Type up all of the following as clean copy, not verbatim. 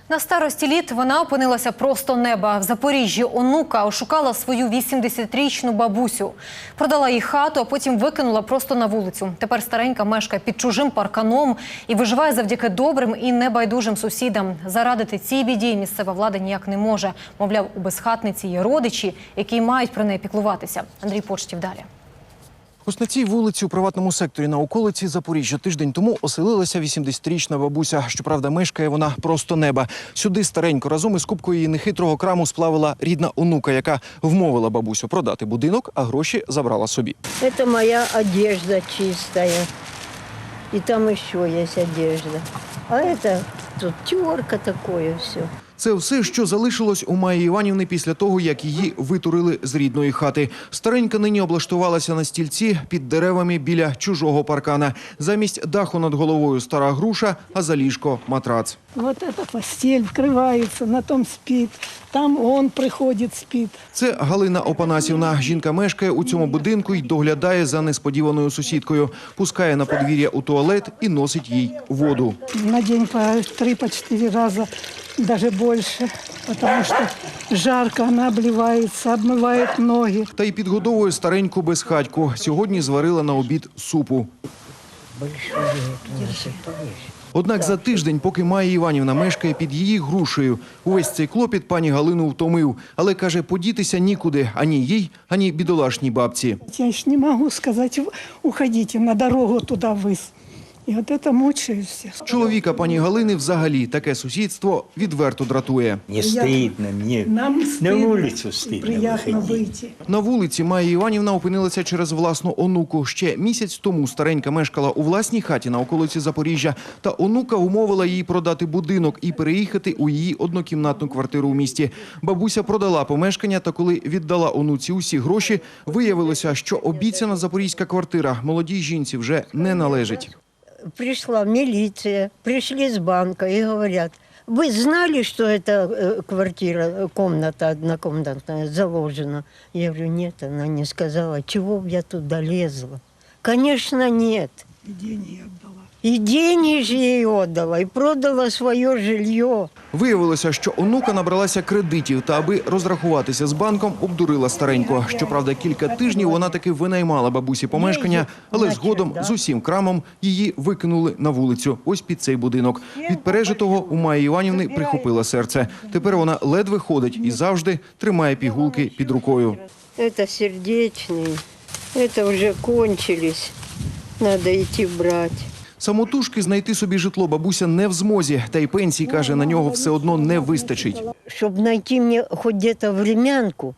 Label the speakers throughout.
Speaker 1: На старості літ вона опинилася просто неба. В Запоріжжі онука ошукала свою 80-річну бабусю. Продала їй хату, а потім викинула просто на вулицю. Тепер старенька мешкає під чужим парканом і виживає завдяки добрим і небайдужим сусідам. Зарадити цій біді місцева влада ніяк не може. Мовляв, у безхатниці є родичі, які мають про неї піклуватися. Андрій Почтів далі.
Speaker 2: Ось на цій вулиці у приватному секторі на околиці Запоріжжя тиждень тому оселилася 80-річна бабуся. Щоправда, мешкає вона просто неба. Сюди старенько разом із купкою її нехитрого краму сплавила рідна онука, яка вмовила бабусю продати будинок, а гроші забрала собі.
Speaker 3: Це моя одежда чистая. І там ще є одежда. А це тут терка такое все.
Speaker 2: Це все, що залишилось у Майї Іванівни після того, як її витурили з рідної хати. Старенька нині облаштувалася на стільці під деревами біля чужого паркана. Замість даху над головою стара груша, а за ліжко – матрац.
Speaker 4: Вот эта постель вкривається, на том спить, там он приходить, спить.
Speaker 2: Це Галина Опанасівна. Жінка мешкає у цьому будинку і доглядає за несподіваною сусідкою. Пускає на подвір'я у туалет і носить їй воду.
Speaker 4: На день по 3-4 рази, даже больше, потому что жарко, она обливается, обмывает ноги.
Speaker 2: Та й підгодовує стареньку безхатьку. Сьогодні зварила на обід супу. Однак за тиждень, поки Майя Іванівна мешкає під її грушею, увесь цей клопіт пані Галину втомив. Але, каже, подітися нікуди ані їй, ані бідолашній бабці.
Speaker 4: Я ж не могу сказать, уходите на дорогу туда вниз. І от це мучає всіх.
Speaker 2: Чоловіка пані Галини взагалі таке сусідство відверто дратує.
Speaker 5: Не стидно, мне
Speaker 4: Нам
Speaker 5: на
Speaker 4: стидно,
Speaker 5: вулицю стидно
Speaker 4: приятно
Speaker 5: виходити.
Speaker 4: вийти.
Speaker 2: На вулиці Майя Іванівна опинилася через власну онуку. Ще місяць тому старенька мешкала у власній хаті на околиці Запоріжжя. Та онука умовила її продати будинок і переїхати у її однокімнатну квартиру у місті. Бабуся продала помешкання, та коли віддала онуці усі гроші, виявилося, що обіцяна запорізька квартира молодій жінці вже не належить.
Speaker 3: Пришла милиция, пришли с банка и говорят: вы знали, что эта квартира, комната однокомнатная заложена? Я говорю: нет, она не сказала. Чего б я туда лезла? Конечно, нет.
Speaker 4: І деньги віддала.
Speaker 3: И деньги же ей отдала, и продала свое жилье.
Speaker 2: Виявилося, що онука набралася кредитів та, аби розрахуватися з банком, обдурила старенько. Щоправда, кілька тижнів вона таки винаймала бабусі помешкання, але згодом з усім крамом її викинули на вулицю, ось під цей будинок. Від пережитого у Майї Іванівни прихопило серце. Тепер вона ледве ходить і завжди тримає пігулки під рукою.
Speaker 3: Это сердечные, это уже кончились, надо идти брать.
Speaker 2: Самотужки знайти собі житло бабуся не в змозі, та й пенсії, каже, на нього все одно не вистачить.
Speaker 3: Чтобы найти мне хоть где-то времянку,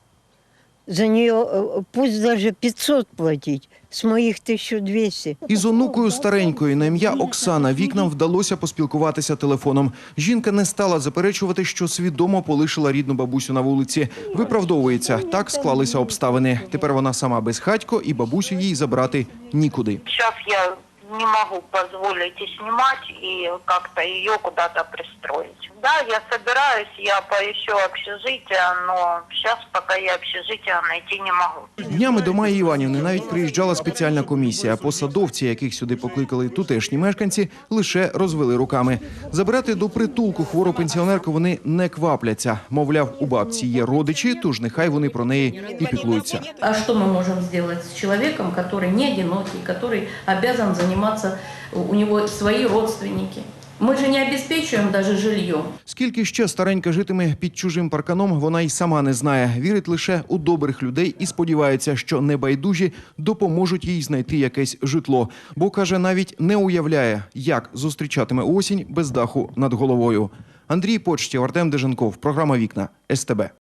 Speaker 3: за нее пусть даже 500 платить, с моих 1200.
Speaker 2: Із онукою старенькою на ім'я Оксана вікнам вдалося поспілкуватися телефоном. Жінка не стала заперечувати, що свідомо полишила рідну бабусю на вулиці. Виправдовується, так склалися обставини. Тепер вона сама безхатько і бабусю їй забрати нікуди.
Speaker 6: Сейчас я не могу позволить и снимать, и как-то ее куда-то пристроить. Да, я собираюсь, я поищу общежитие, но сейчас пока я общежитие найти не могу.
Speaker 2: Днями до Майї Іванівни навіть приїжджала спеціальна комісія. Посадовці, яких сюди покликали тутешні мешканці, лише розвели руками. Забирати до притулку хвору пенсіонерку вони не квапляться. Мовляв, у бабці є родичі, тож нехай вони про неї і піклуються.
Speaker 7: А что мы можем сделать с человеком, который не одинокий, который обязан заниматься, у него свои родственники? Мы же не обеспечиваем даже жильем.
Speaker 2: Скільки ще старенька житиме під чужим парканом, вона й сама не знає. Вірить лише у добрих людей і сподівається, що небайдужі допоможуть їй знайти якесь житло. Бо, каже, навіть не уявляє, як зустрічатиме осінь без даху над головою. Андрій Почтів, Артем Деженков. Програма «Вікна» СТБ.